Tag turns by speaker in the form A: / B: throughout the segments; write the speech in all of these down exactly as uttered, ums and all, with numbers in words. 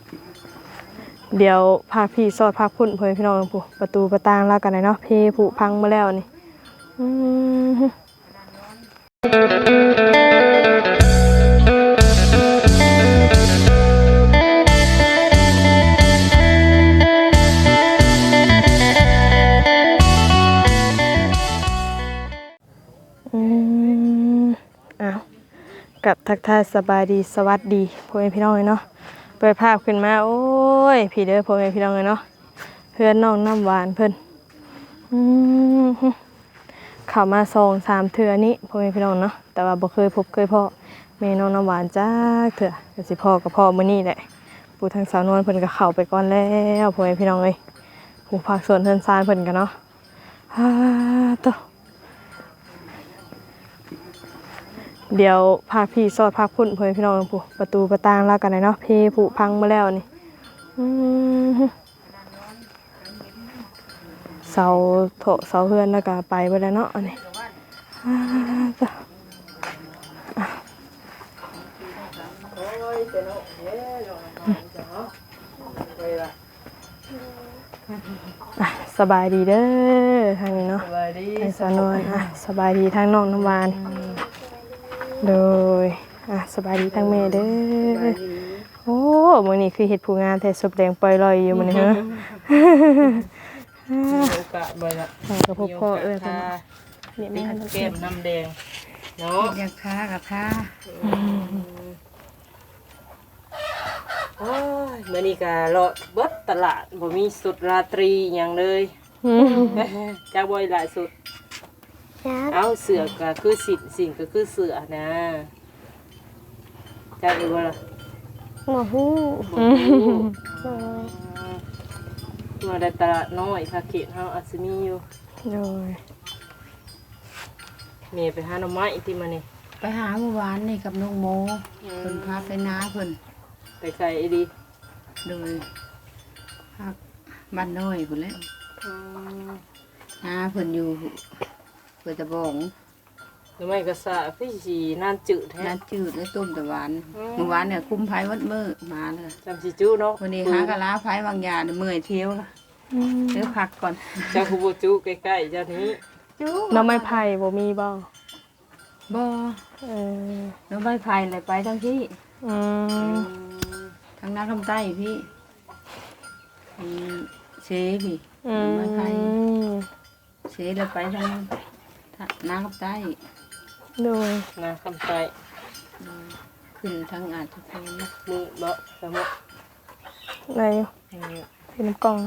A: เดี๋ยวพาพี่สอดพาพุ่นเพื่อนพี่น้องผู้ประตูประตางแล้วกันเนาะเพผุพังมาแล้วนี่อืมอืมอ้าวกับทักทายสบายดีสวัสดีพ่อแม่พี่น้องเนาะเปิดภาพขึ้นมาโอ้ยพี่เด้อพ่อแม่พี่น้องเนาะเพื่อนน้องน้ำหวานเพิ่นอืมเข้ามาสองสามเทื่อนี้พ่อแม่พี่น้องเนาะแต่ว่าบ่เคยพบเคยพ่อแม่น้องน้ำหวานจ้าเถื่อก็สิพ่อกับพ่อมื้อนี้แหละปู่ทางสาวนวลเพิ่นก็เข้าไปก่อนแล้วพ่อแม่พี่น้องเอ้ยผู้ภาคส่วนเพิ่นซานเพิ่นกันเนาะฮ่าโตเดี๋ยวพาพี่สอดพาพุ่นพ่อแม่พี่น้องผู้ประตูประตางแล้วกันเนาะเพผุพังมาแล้วนี่อืมเสาโถเสาเฮือนแล้วก็ไปไปแล้วเนาะอันนี้สบายดีเด้อทางนี้เนาะสบายดีทางสานวนอ่ะสบายดีทางน้องน้ำหวานโดยอ่ะสบายดีทางแม่เด้อโอ้มื้อนี้คือเฮ็ดผู้งานแต่ศพแดงปล่อยลอยอยู่มื้อนี้เหรอ
B: โอกาสบ่ละ
A: กับพ่อพ่อเอ้ยค่ะ
B: เนี่ยมีแก้มน้ำแดงเนาะ
C: อยากทากับทา
B: โอ้ยมื้อนี้ก็เลาะเบิดตลาดบ่มีสุดราตรีหยังเลยจักบ่หลายสุดเอาเสือก็คือสิ่งสิ่งก็คือเสือนะจักอยู่บ่ล่ะ
A: บ่ฮู้
B: บ่ฮู้มาได้ตลาดน้อยค่ะเขตเฮาอาจสิมีอยู่
A: โดย
B: แม่ไปหาหน่อไม้ที่มานี่
C: ไปหาเมื่อวานนี่กับน้องโมเพิ่นพาไปน้าเพิ่น
B: ไปไกลดี
C: โดยพักบ้านน้อยพุ่นแหละน้าเพิ่นอยู่เพิ่นตะบอง
B: หน่อไม้ก็สะพี่สินานจืดแท้
C: น้าจืดและต้มตะหวานเมื่อวานเนี่ยคุมไผวัดมื้อมาเลย
B: จำสิจู้เนาะ
C: วันนี้หากะลาไผบางยาเมื่อยเที่ยวล่ะเดี๋ยวพักก่อน
B: เจ้าคูโบจูใกล้ๆเจ้านี้
A: จูน้ำไม้ไผ่บ่มีบ่
C: บ่
A: เออ
C: น้ำไม้ไผ่เลยไปทั้งที่
A: อืม
C: ทางน้าคำใต้พี่เชพี่น้ำไม้ไผ่เชเลยไปทางน้าคำใต้
A: โดย
B: น้าคำใต้
C: ขึ้นทางอาจจะเป็น
B: มือเบาสมอง
A: อะไรเป็นน้ำกล่อง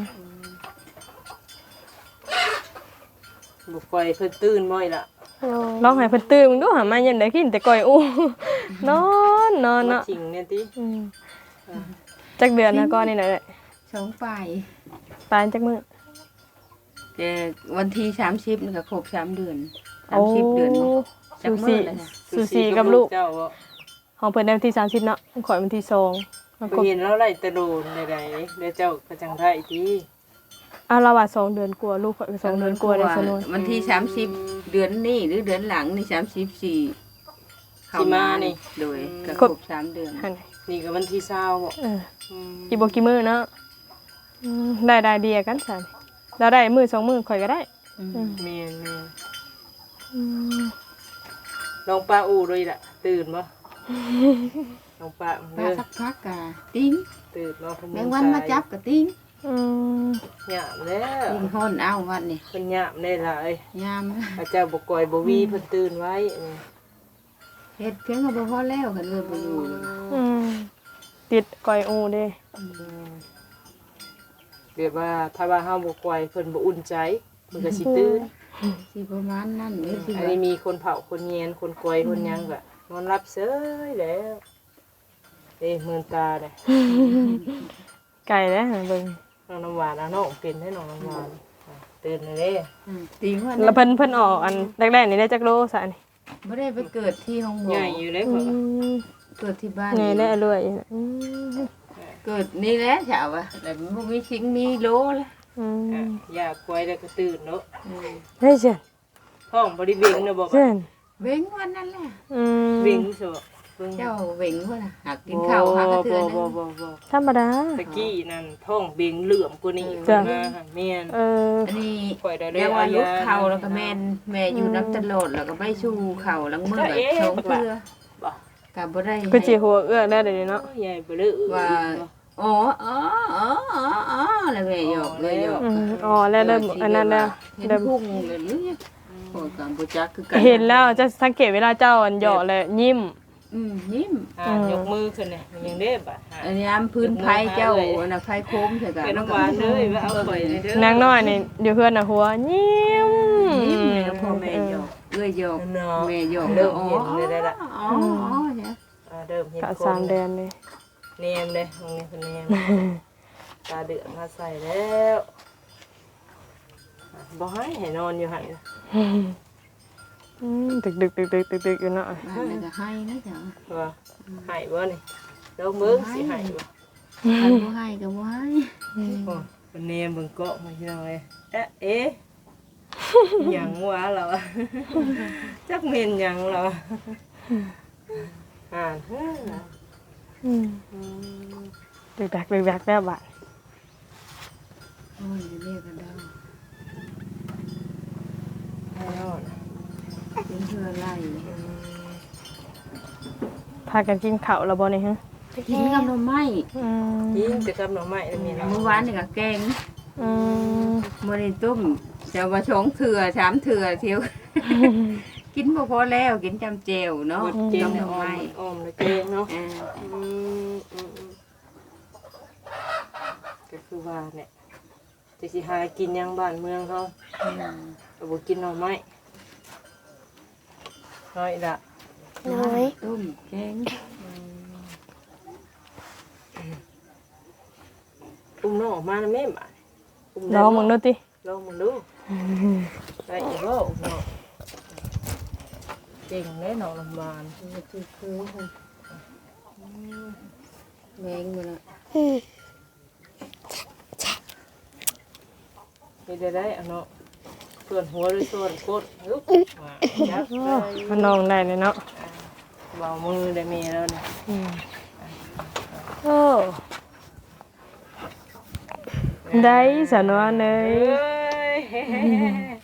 B: บุกไฟเพิ่นตื่นบ่อยล่ะ
A: ลองให้เพิ่นตื่นมึงดูหามายันได้กินแต่ก่อยอู้นอนนอนเนาะ
B: จริงเนี่ยติ
A: จักเดือนนะก่อนนี่แหละ
C: สองปลาย
A: ปลายจักมื้อ
C: แต่วันที่สามสิบนี่ก็ครบสามเดือนสามสิบเดือน
A: จักมื้อแล้วซูซีกับลูกของเพิ่นได้วันที่สามสิบเนาะข่อยวันที่สอง
B: เห็นแล้วไล่ตะโดนใดๆแล้วเจ้าก็จังได๋ติ
A: อ่ะเราว่าสองเดือนกว่าลูกข่อยก็สองเดือนกว่าได้ซะนู่น
C: วันที่สามสิบเดือนนี้หรือเดือนหลังนี่สามสิบสี่
B: เข้ามานี่
C: โดยก็ครบสามเดือน
B: นี่ก็วันที่ยี่สิบบ่
A: เออกี่บ่กี่มื้อเนาะอืมได้ได้เดียกันซั่นเราได้มื้อสองมื้อข่อยก็ได้
B: แม่นๆอืมลองปลาอูด้วยล่ะตื่นบ่ลองปลา
C: เด้อสักพักกะติ้ง
B: ตื่นเนาะ
C: แมงวันมาจับกะติ้ง
A: อืม
B: หยามแล้ว
C: ติ้งฮ้อนเอาวันนี่
B: เพิ่นหยามได้ล่ะเอ้ย
C: หยาม
B: อาจารย์บ่ก่อยบ่วีเพิ่นตื่นไว้
C: เฮ็ดเพียงก็บ่พอแล้วกันเลยบ่อยู่
A: อืมติดก่อยอูเด้
B: เรียกว่าถ้าว่าเฮาบ่ก่อยเพิ่นบ่อุ่นใจมันก็สิตื่น
C: สิประมาณนั้นเด้สิ
B: อันนี้มีคนเผาคนเย็นคนก่อยคนหยังก็นอนรับเฉยแล้วเอ้มื่นตาเด้
A: ไก่เด้เบิ่ง
B: น้องน้ำหวานน้องเป็นได้น้องน้ำหวานตื่นเลยเด้
C: ตีว่า
A: แล้วเพิ่นเพิ่นออกอันแรกๆนี่ได้จักโลซะนี่
C: บ่ได้ไปเกิดที่ห้องหมอ
B: ใหญ่อยู่เลยเพิ่น
C: เกิดที่บ้าน
A: นี่ได้รวยอืม
C: เกิดนี่แหละเช้าอ่ะแต่มันบ่มีชิงมีโลเลย
A: อืม
B: อยากป่วยแล้วก็ตื่นเนาะ
A: เฮ้ยเจ้า
B: ท้องบ่ได้เบ่งเนาะบ่
A: เจ้า
C: เบ่งวันนั้นแหละ
A: อืม
B: เบ่งซะ
A: เ
B: เบิ่ง
C: เจ้าเบ่งพุ่นน่ะหากกินข้าวหากระเทือน
B: บ่
C: นึง
B: บ่บ่
A: ธรรมดา
B: ตะกี้นั่นท้องเบ่งเหลื่อมกว่านี้
A: จ้ะ
B: มาแม่น
A: เออ
C: อันนี้
B: ข่อยได้
C: เรียกว่าลุกเข่าแล้วก็แม่นแม่อยู่น้ำตลอดแล้วก็ไปชูเข่าหลังมือแบบชงเพื่อ
B: บ่
C: กับบ่ได้
A: ก็สิหัวเอื้อกได้เดี๋ยวนี้เนาะ
B: ใหญ่บ่เด้อ
C: ว่าอ๋ออ๋ออ๋ออ๋ออ๋อแล้วแม่หยอกเลยหยอก
A: อืมอ๋อแล้วเริ่มอันนั้นแล้ว
C: เห็น
A: เริ่ม
C: พุ่งเลยหรือโอ้ยกัมพูจักคือกัน
A: เห็นแล้วจะสังเกตเวลาเจ้าอันเหยาะเลยยิ้ม
C: อืมยิ้ม
B: อ่ายกมือขึ้นเนี่ยมันยังได้บ่
C: อันนี้อันพื้นไผ่เจ้าอันน่ะไผ่โค้งใช่กัน
B: เป็นน้ำหวานเลยว่าเอาข่อยเลยเด้อน
A: างน้อยนี่อยู่เพื่อนน่ะหัวยิ้ม
C: ยิ้มเลยพ่อแม่หยอกเอ้ยหยอกแม่หยอก
B: เริ่ม
C: อ๋อ
B: เห็นเลยได้ละ
C: อ๋ออ๋อเนี่ย
B: อ่าเริ่มเห็น
A: กะ
B: คน
A: สามเดือนเลย
B: เนมเลยตรงนี้เป็นเนมตาเดือดมาใส่แล้วบ่ให้ให้นอนอยู่หั่น
A: อืมดึกดึกดึกดึกดึกดึกอยู่เนาะ
C: บ้านนี่ก็ให้นะจ๊ะ
B: ว่าให้บ่นี่เดี๋ยวมึงสิให้บ่
C: ใครบ่ให้ก็บ่ให้
B: โอ้เป็นเนมเบิ่งเกาะมาที่น้องเอ้ยเอ๊ะเอ๊ะหยังวะเราจักเม่นหยังเราอ่านเฮ้อ
A: อืม
B: อืม
A: ดึกดักดึกดักแล้วบัด
C: โอ้ยเรียกกันได้
B: ให้นอน
C: เป็นเพื่อไล่
A: พากันกินข้าวแล้วบ่นี่ฮะ
C: กินกับหน่อไม้
A: อืม
B: ยิงแต่กับหน่อไม้แล้วมีเนาะ
C: เมื่อวานนี่ก็แกง
A: อืม
C: บ่ได้ต้มจะว่าสองเถื่อสามเถื่อเที่ยว กินบ่พอแล้วกินจำเจวเนาะ
B: หมดเจง
C: กับห
B: เนี่ย
C: น่อ
B: อ้อ
C: ไม้
B: มอ้อมแล้วเจงเนาะ
C: อ่า
B: อืมอืมอืมก็คือว่าเนี่ยจะสิหากินหยังบ้านเมืองเขา
C: อืม
B: ก็บ่กินหน่อไม้น้อยละ
C: น้อยต้มแกง
B: อุ้มน้องออกมาแล้วแม่บ่าอุ้ม
A: ลองมึงดูติ
B: ลองมึงดูได้อีกบ่อุ้มน้องเก่งแน่น้องลำบาน
C: คือคือค่ะแมงอยู่ละ
B: เฮ็ดได้ได้เอาเนาะส่วนหัวหรือส่วนโคตรฮึบมาจับเลย
A: มันนองได้เลยเนาะ
B: เบามือได้มีแล้วเนี่ย
A: อืมโอ้ได้สนวนเล
B: เอ้
A: ย
B: ย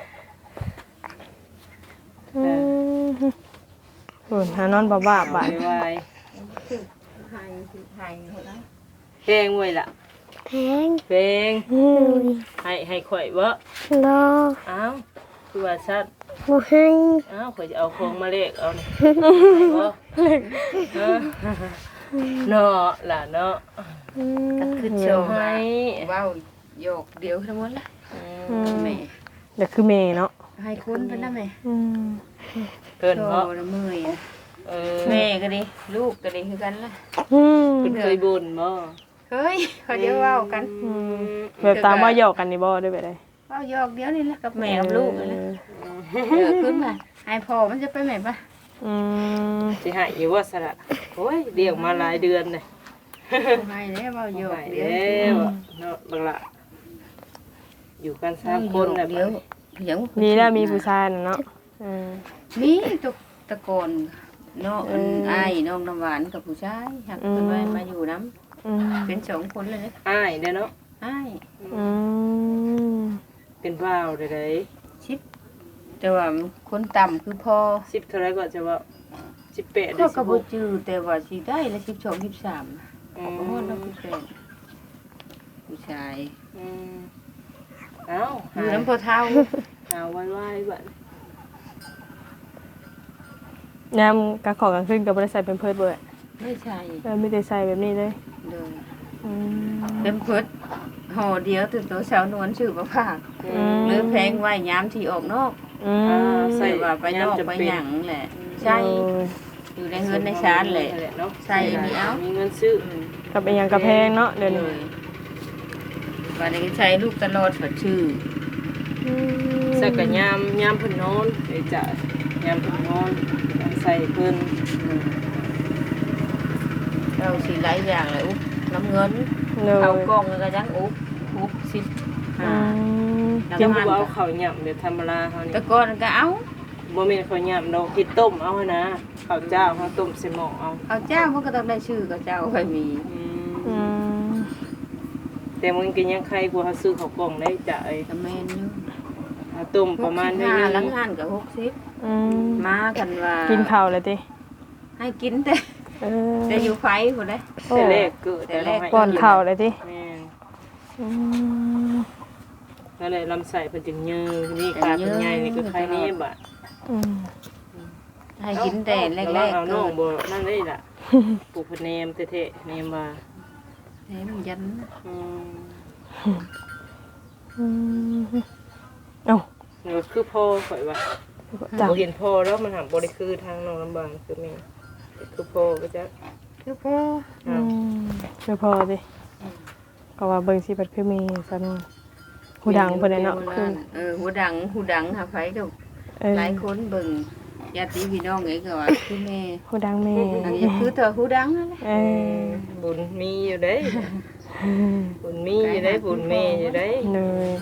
A: อืมโอ้ยหานอนบ่บาบาด
B: ไว
C: ไห้ไห้หมดแล้ว
B: ๆเพลงไว้ล่ะ
D: แพง
B: เพลง
A: อืม
B: ให้ให้ข่อยบ่
D: รอ
B: อ้าวคือว่าชัด
D: บ่ให้
B: อ้าวข่อยจะเอาของมาเลขเอานี่ให้บ่เออเนาะล่ะเนาะ
C: ก็คือโช
B: เดี๋ยว
C: ว์
B: ให้
C: ว้าวโยกเดียวทั้งหมดละ
A: อืม
C: แม่
A: เดี๋ยวคือเมย์เนาะ
C: ให้คุณเพิ่นนะแม่
A: อืม
B: เกิน
C: โช
B: บ่
C: ว์ละเมื่อยอะ
B: เออ
C: แม่ก็ดีลูกก็ดีคือกันล่ะ
A: อืม
B: เพิ่นเคยบ่นบ่
C: เฮ้ยเขาเดี๋ยวเว้ากัน
B: อืม
A: แบบตามว่าหยอกกันนี่บ่ได้ไปได้
C: เว้าโยกเดียวนี่แหละกับแม่กับลูกนี่แหละเออขึ้นมาให้พ่อมันจะไปแม่ปะ
A: อืม
B: สิให้อยู่ว่าสระโอ้ยเลี้ยงมาหลายเดือนเลย
C: ให้แล้วเว้าโยก
B: ให้
C: เดียว
B: แล้วเนาะบักละอยู่กันสามคนน่ะ
C: เดียวเดี๋ยว
A: มีแล้วมีผู้ชายน่ะเนาะอืม
C: มีตกตะโกนเนาะอันอ้ายน้องน้ำหวานกับผู้ชายหักเพิ่นไว้มาอยู่น้
A: อืม
C: ำเป็นสองคนเลยนะ
B: อ้ายเด้อเนาะ
C: อ้าย
A: อืม
B: เป็นว่าวได้ได
C: ชิปแต่ว่าคนต่ำคือพอ
B: สิบเท่าไรก็จะว่าสิบแปด
C: ก็
B: ได้
C: ก
B: สิ
C: ระ
B: บห
C: บุ
B: ก
C: จือแต่ว่าสิได้ละสิบสองสิบสาม
B: อื
C: ขอ
B: ม
C: โทษนะผู้ชายผู้ชาย
B: อืมเอ้า
C: อ
B: หา
C: ยู่น้ำพอเท้า
B: หาไว้ไว้บัด
A: ยามกลางของกลางคืนก็บ่ได้ใส่เป็นเพิดเบิด
C: ไม่ใช่
A: เออมีแต่ใส่แบบนี้เลย
C: เลย
A: อืม
C: เป็นเพิดห่อเดียวตื่นตัวสาวนวลชื่อประภาค
A: อืม
C: หรือแพงไว้ยามที่ออกนอก
A: อืม
C: ใส่ว่าไปนอกไปหยังแหละ ใช่
A: โอ้ย
C: อยู่ในเงินในชานแหละ
B: เนาะ
C: ใส่อันนี้เอา
B: มีเงินซื้อ
C: อืม
A: กับอีหยังกระแพงเนาะเดี๋ยว
C: เล
A: นี้
C: ยวันนี้ใช้ลูกตลอดฝัดชื่อ
A: อืม
B: ใส่กับยามยามเพิ่นนอนเดี๋ยวจะยามเพิ่นนอนใส่เพิ่น
C: เราสีหลายอย่างเลยอุ๊บน้ำเงิน
A: โดย
C: เอากล้องแล้วก็ยังอุ๊บอุ๊บสิบ
A: อื
C: ห้าม
B: กิน
C: น้ำมัน
B: บ่เอาข้าวหย่ำเดี๋ยวธรรมดาเฮานี่
C: แต่ก่อนก็เอา
B: บ่แม่นข้าวยำดอกเฮ็ดต้มเอานะข้าวเจ้าเฮาต้มใส่หม้อเอา
C: เอาเจ้ามันก็ต้องได้ชื่อกับเจ้าค่อยมี
B: อืม
A: อืม
B: แต่มันก็ยังใครกว่าเฮาซื้อข้าวกล่องได้จ้ะไอ้
C: ตะแมนอยู่
B: เอาต้มประมาณนี้
C: ห้า
B: นึ
C: หลัง
B: ง
C: งานกับหกสิบ
A: อืม
C: มากันว่า
A: กินข้าวเลยติ
C: ให้กินแต่
A: เออ
C: แต่อยู่ไฟพุ่นเด้
B: แต่แรกเกิด
C: แต่แรก
A: ป้อนข้าวเลยติ
B: แม่น
A: อืม
B: นั่นแหละลำไส้เพิ่นจึงยืนนี่ขาเพิ่นใหญ่นี่ก็ใครนี่บาด
A: อืม
C: ให้กินแต่แรก
B: เอา
C: ๆ
B: น้
C: เกิ
B: อง
C: ด
B: บ่นั่นได้ล่ะปลูกพะเนมเท่ๆเนมว่า
C: แถมยัน
B: อืม
A: อืมเอ้า
B: นี่ก็คือพ่อข่อยว่า
A: จ้ะ
B: บ่เห็นพ่อแล้วมันหักบ่ได้คือทางน้องลำบากคือแม่คือพ่อก็จะ
C: คือพ่อ
A: อืมเดี๋ยวพอดิก็ว่าเบิ่งสิบัดคือมีซั่นหูดังเพิ่นน่ะเนาะคือ
C: เออหูดังหูดังหาไฟก็
A: เออ
C: หลายคนเบิ่งญาติพี่น้องเอ้ก็ว่าคือแม่
A: หูดังแม่
C: อันนี้คือเธอหูดังนั่นแหละ
A: เออ
B: บุญมีอยู่เด้บุญมีอยู่เด้บุญแม่อยู่เด้
A: เลย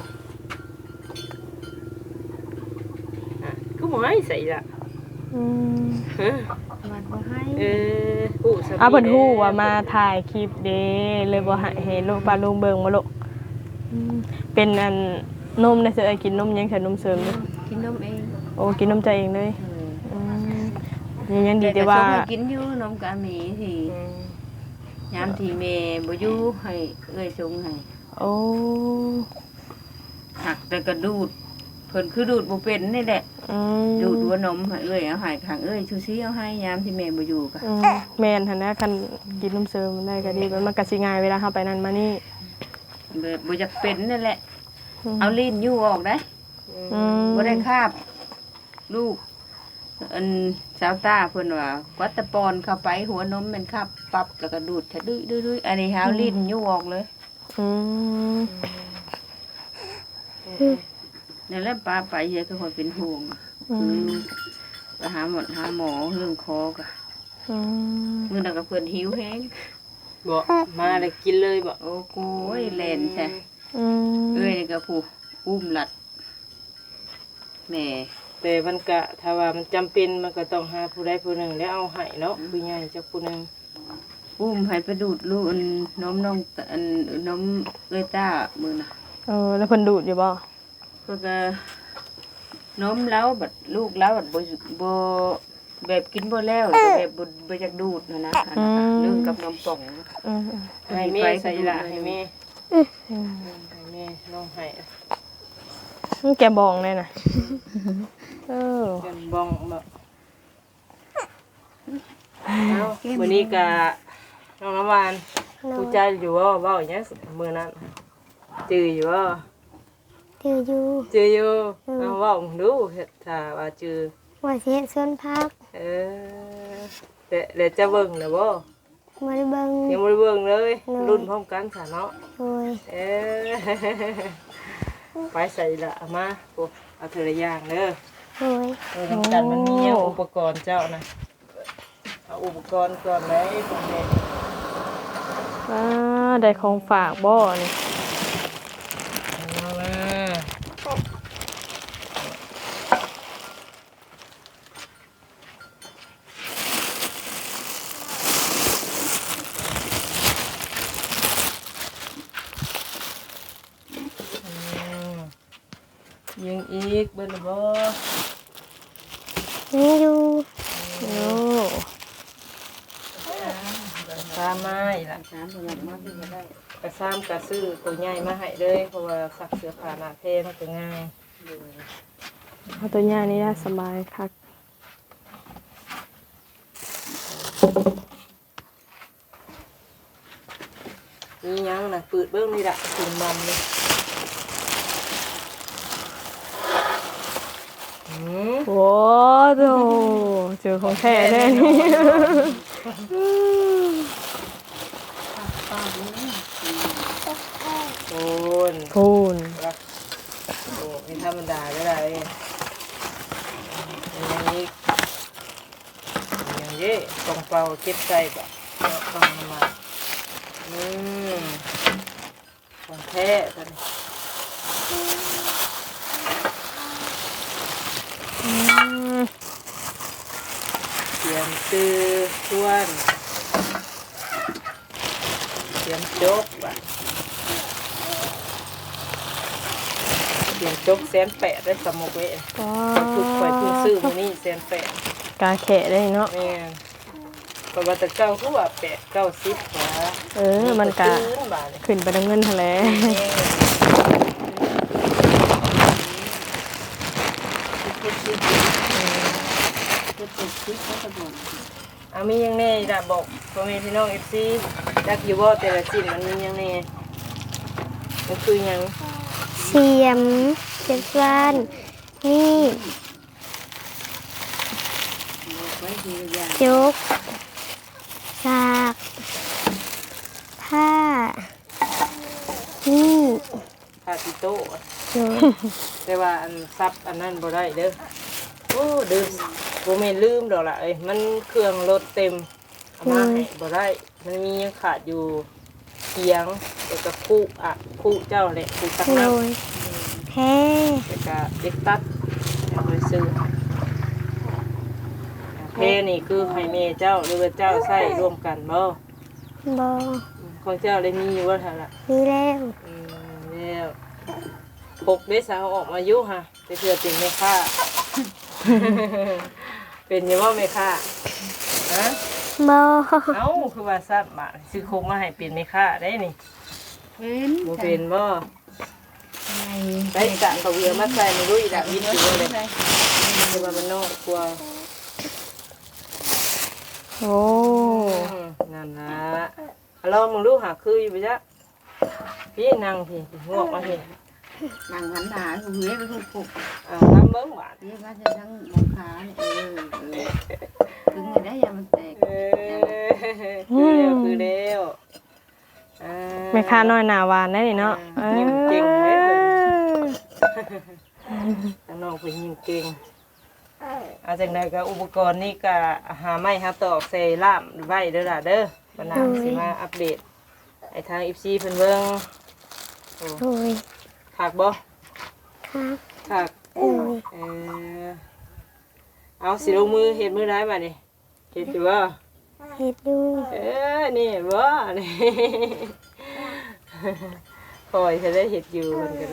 B: อ่ะก็บ่ให้ใส่ล่ะ
A: อืม
B: ฮะ
C: มันบ่ให้
B: เออฮู้ซะ
A: อ่ะเพิ่นฮู้ว่ามาถ่ายคลิปเด้เลยบ่ให้ให้ลูกป้าลุงเบิ่งบ่ลูกอืมเป็นอันนมได้เสิเอ้ยกินนมยังใส่นมเสริมอยู่
C: กินนมเอง
A: โอ้กินนมใจเองเลย
C: เออ
A: อืมยังยังดีแต่ว่า
C: ก็ส่งให้กินอยู่นมกะหมีที่
B: อืม
C: ยามที่แม่บ่อยู่ให้เอ้ยส่งให้
A: โอ้
C: หักแต่ก็ดูดเพิ่นคือดูดบ่เป็นนี่แหละ
A: อืม
C: ดูดหัวนมให้เอ้ยเอาให้ข้างเอ้ยชูซี่เอาให้ยามที่แม่บ่อยู่ก็
A: อืมแม่นหั่นนะคันกินนมเสริมได้ก็ดีมันมันก็สิง่ายเวลาเฮาไปนั่นมานี่
C: แบบบ่อยากเป็นนั่นแหละ
A: ม
C: เอาลิ้นยู่ออกได้
A: อืม
C: บ่ได้คาบ ลูกอันสาวตาเพิ่นว่าวัดตะปอนเข้าไปหัวนมมันคาบปับแล้วก็ดูดทะดุยดุยๆอันนี้หาลิ้นยู่ออกเลย
A: อืม
C: นั่นแหละป้าไปเยอะก็คนเป็นห่วง
A: อื
C: คือ
A: ม
C: ไปหาหมอหาหมอเรื่องคอก็
A: อืม
C: มื้อนั้นก็เพิ่นหิวแฮง
B: บ่มาแล้วกินเลยบ่
C: โอ้โหแล่นใช่
A: อืม
C: เอ้ยนี่ก็ผู้อุ้มหลัดแม่
B: แต่มันก็ถ้าว่ามันจำเป็นมันก็ต้องหาผู้ใดผู้หนึ่งแล้วเอาให้เนาะผู้ใหญ่จักผู้หนึง
C: อุ้มให้ไปดูดลูกอันนมน้องอันนมเอ้ยต้ามื้อน่ะ
A: เออแล้วเพิ่นดูดอยู่บ่
C: เพิ่นก็นมแล้วบัดลูกแล้วบัดบ่บ่แบบกินบ่แล้วแต่แบบบ่บ่อยากดูดนะนะอันนั้นน่ะเรื่องกับนมป่อง
A: อืม
B: ให้แม่ใส่ละให้แม่
A: อืม
B: ให้แม่น้องให้
A: มันแกบองเลยน่ะเออ
B: กันบ้องแบบเอามื้อนี้ก็น้องน้ำหวานผู้ใจอยู่ว่าเว้าหยังมื้อนั้นจื้ออยู่ว่า
D: ถืออยู่
B: จื้ออยู่เอาเว้าดูถ้าว่าจื้อ
D: ว่าเสียส่วนพัก
B: เออแต่แล้วจะเบิ่งน่ะบ่
D: มาได้เบิ่ง
B: ยังบ่ได้เบิ่งเลย รุ่นพร้อมกันซะเนาะ
D: โดย
B: เออ ไปใส่ละเอามาโอ้เอาเทละอย่างเด้อ
D: โดย
B: เออน้ำจันมันมีหยังอุปกรณ์เจ้านะเอาอุปกรณ์ก่อนเลยก่อนเลย
A: อ่าได้ของฝากบ่นี่
B: เอามายิงอีกเบิ่งบ่
D: นี่อยู่
A: โอ้
B: ตามมาอีกละ
C: น้ำสำหรับมาที่จะได้
B: กระซ้ำกระซื้อตัวใหญ่มาให้เลยเพราะว่าซักเสื้อผ้าหน้าเทมันก็ง่าย
A: เอาตัวย่านี่ได้สบายคัก
B: นี่ยังนะปืดเบิ้งนี่ละถุงมันเลยอืม
A: โอ้โหเจอของแท้แน่นี่
B: โอน
A: พูน
B: รักโอ้ไม่ธรรมดาได้เลยอย่างนี้อย่างนี้ตรงเป่าเก็บใส่ปะเนาะต้องมาอืมของแท้กัน
A: อืม
B: จกว่ะเสียงจกแสนแปดได้สมมุกเว้ย
A: อ๋อ
B: คือข่อยเพิ่งซื้อมื้อนี้แสนแปด
A: กาแขะได้เนาะ
B: แม่นเพราะว่าแต่เก้าคือว่าแปดเก้าสิบกว่า
A: เออมันกะ
B: ตื้นบาดนี่
A: ขึ้นไปน้ำเงินทะเล
C: จะติดคิดก็กระโดด
B: เอามีหยังแน่ล่ะบอกพ่อแม่พี่น้อง เอฟ ซี จักอยู่บ่แต่ละชิ้นมันมีหยังแน่มันคือหยัง
D: เสียมเจ็บฟันมีด
C: ไว้ทีละอย่าง
D: จกสากผ้ามีด
B: พาติโต้
D: จก
B: แต่ว่าอันซับอันนั้นบ่ได้เด้อโอ้ดื้อบ่แม่นลืมดอกล่ะเอ้ยมันเครื่องรถเต็มเอามาให้บ่ได้มันมียังขาดอยู่เคียงแล้วก็คู่อ่ะคู่เจ้าแหละคู่ตัก
D: โด
B: น้ำ
D: ยแพ้
B: แล้วก็เด็กตัดเอาไปซื้อเพนี่คือให้แม่เจ้าหรือว่าเจ้าใช้ร่วมกันบ่
D: บอ
B: ของเจ้าได้มีอยู่ว่าท่านล่ะ
D: มีแล้ว
B: อืมแล้วปกเด้สาวออกมาอยู่ฮะแต่เพื่อเป็นแม่ค้า เป็นอยังว่าแม่ค้าฮะ
D: บอ
B: เอ้าคือว่าทราบมาซื้อโคกมาให้เป็นแม่ค้าได้นี่
C: เป็น
B: บ่เป็นบ่
C: ไง
B: ได้กะเขาเวียมาใส่ในรุ่ยละวิทย์อยู่เลยคือว่ามันนอกกลัว
A: โอ้
B: อืมนั่นล่ะเอาลองมึงดูหาคืออยู่ปะจ๊ะพี่นั่งพี่งอกมาพี่
C: นางหันหาหูเฮ้ยไปถูกผูก
B: อ่าทำเบิ้งหวาน
C: นี่ก็จะทั้งมองขาเนี่ยเออเออถึงไม่ได้ยังมันแตก
B: เออคือเร็วคือเร็วอ่า
A: แม่ค้าน้อยหน้าหวานได้นี่เนาะเออ
B: ยิ้มเก่งเว้ยเพิ่น ข้างนอกเป็นยิงเก่งเอาจากไหนก็อุปกรณ์นี่ก็หาไม้หาตอกใส่ล่ามไว้เด้อล่ะเด้อบันนาวสิมาอัปเดตไอ้ทางอีซีเพิ่นเบิ่งโอ้
D: โดย
B: ขากบ่
D: ครับ
B: ขาก
D: โดย
B: เออเอาสิลงมือเฮ็ดมือได้บัดนี้เฮ็ดอยู่บ่
D: เฮ็ดดู
B: เออนี่บ่นี่ คอยจะได้เฮ็ดอยู่เพิ่นก็ได้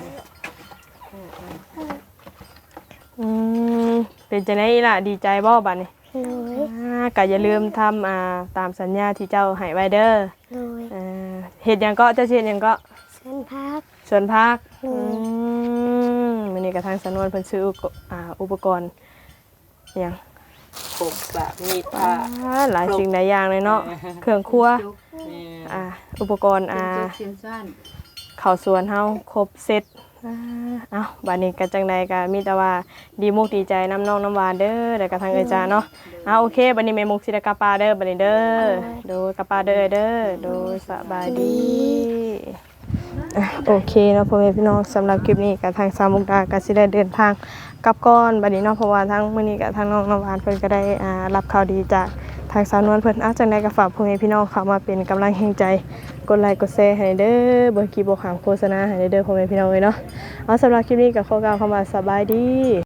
A: อืมเป็นจังได๋ล่ะดีใจบ่บัดนี้
D: โดย
A: อ่าก็อย่าลืมทำอ่าตามสัญญาที่เจ้าให้ไว้เด้อ
D: โดย
A: เอ่อเฮ็ดหยังก็เจ้าสิเฮ็ดหยังก็
D: เส้นพัก
A: สวนผัก
D: อื
A: อื
D: ม
A: มมื้อนี้ก็ทางสำนวนเพิ่นซื้ออุปกอ่าอุปกรณ์หยัง
B: ขบสากมีดผ้า
A: อ่าหลายสิ่งหลายอย่างเลยเนาะเครื่องครัว
C: จุก
B: นี่
A: อ่าอุปกรณ์อ่า
C: จุกเสียนสั้น
A: เข้าสวนเฮาครบเซตอ่าเอ้าบัดนี้ก็จังใดก็มีแต่ว่าดีมุกดีใจน้ำน้องน้ำหวานเด้อแล้วก็ทางเอ้ยจ้าเนาะอ่าโอเคบัดนี้แม่มุกสิได้กลับปาเด้อบัดนี้เด้อโดยกลับปาเด้อเด้อโดยสบายดีอ่ะโอเคเนาะพ่อแม่พี่น้องสำหรับคลิปนี้ก็ทางสามมุกดาก็สิได้เดินทางกลับก่อนบัดนี้เนาะเพราะว่าทางมื้อนี้ก็ทางน้องน้ำหวานเพิ่นก็ได้อ่ารับข่าวดีจากทางสาวนวลเพิ่นอ่ะจังใดก็ฝากพ่อแม่พี่น้องเข้ามาเป็นกำลังแห่งใจกดไลค์กดแชร์ให้เด้อบ่คลิปบ่ขามโฆษณาให้เด้อพ่อแม่พี่น้องเอ้ยเนาะเอาสำหรับคลิปนี้ก็ขอกล่าวคำว่าสบายดี